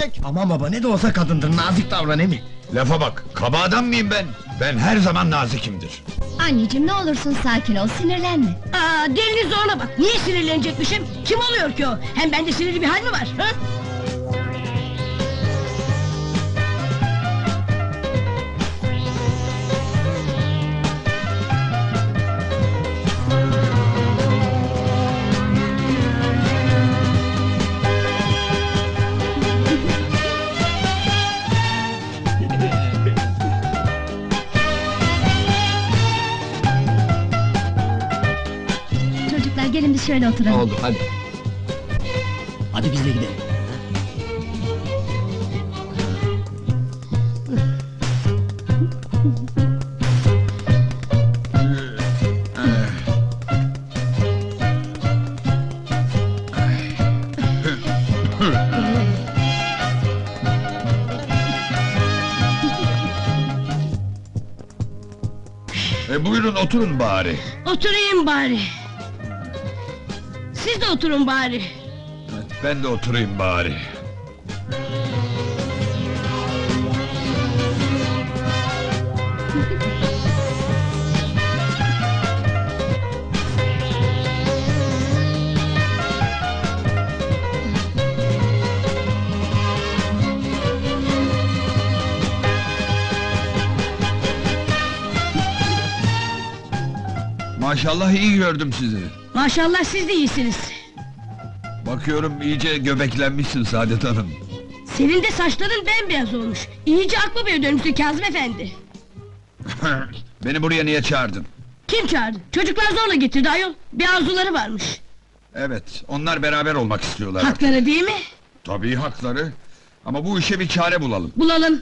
gelecek. Aman baba, ne de olsa kadındır, nazik davran emi. Lafa bak, kaba adam mıyım ben? Ben her zaman nazikimdir. Anneciğim, ne olursun sakin ol, sinirlenme. Aa, dilini zorla bak, niye sinirlenecekmişim? Kim oluyor ki o? Hem bende sinirli bir hal mi var? Ha? Çocuklar, gelin biz şöyle oturalım. Oldu, hadi. Hadi biz de gidelim. Buyurun oturun bari. Oturayım bari. Siz de oturun bari. Ben de oturayım bari. Maşallah iyi gördüm sizi. Maşallah siz de iyisiniz. Bakıyorum iyice göbeklenmişsin Saadet Hanım. Senin de saçların bembeyaz olmuş. İyice aklı beye dönmüşsün Kazım efendi. Beni buraya niye çağırdın? Kim çağırdı? Çocuklar zorla getirdi ayol. Bir arzuları varmış. Evet, onlar beraber olmak istiyorlar. Hakları değil mi? Tabii hakları. Ama bu işe bir çare bulalım. Bulalım.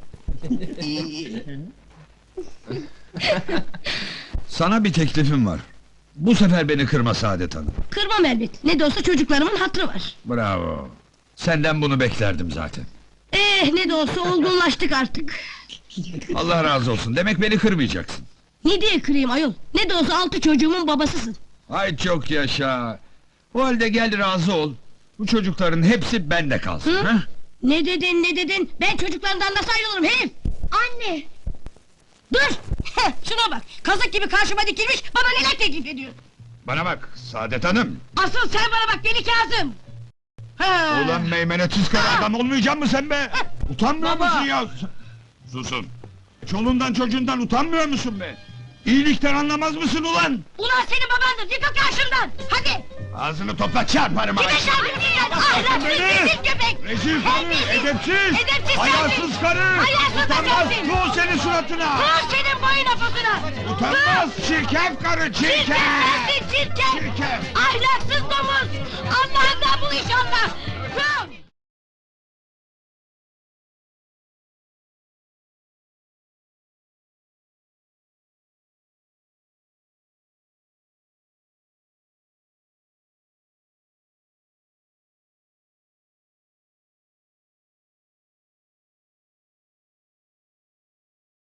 Sana bir teklifim var. Bu sefer beni kırma Saadet Hanım. Kırmam elbet. Ne de olsa çocuklarımın hatırı var. Bravo. Senden bunu beklerdim zaten. Ne de olsa olgunlaştık artık. Allah razı olsun. Demek beni kırmayacaksın. Ne diye kırayım ayol? Ne de olsa 6 çocuğumun babasısın. Ay çok yaşa. O halde gel razı ol. Bu çocukların hepsi bende kalsın. Hı? Ha? Ne dedin, ne dedin? Ben çocuklarımdan nasıl ayrılırım herif? Anne! Dur! Heh, şuna bak! Kazık gibi karşıma dikilmiş, bana neler teklif ediyor? Bana bak Saadet Hanım. Asıl sen bana bak deli Kazım! Ha! Ulan meymenetsiz kara adam olmayacak mı sen be? Utanmıyor Baba! musun ya? Susun! Çoluğundan çocuğundan utanmıyor musun be? İyilikten anlamaz mısın ulan? Ulan senin babandır, yıkıl karşımdan! Hadi! Ağzını topla çarparım ha! Kime şarkı ahlaksız rezil köpek! Rezil karı, Terbiyesiz! edepsiz! Edepsiz Hayasız sensin! karı! Hayasız da Utanmaz, sensin! tuğ senin suratına! Dur senin boyuna posuna! Utanmaz, çirkef karı, Çirkef çirkef! sensin çirkef! Çirkef! Ahlaksız domuz! Allah'ından bul inşallah! Dur!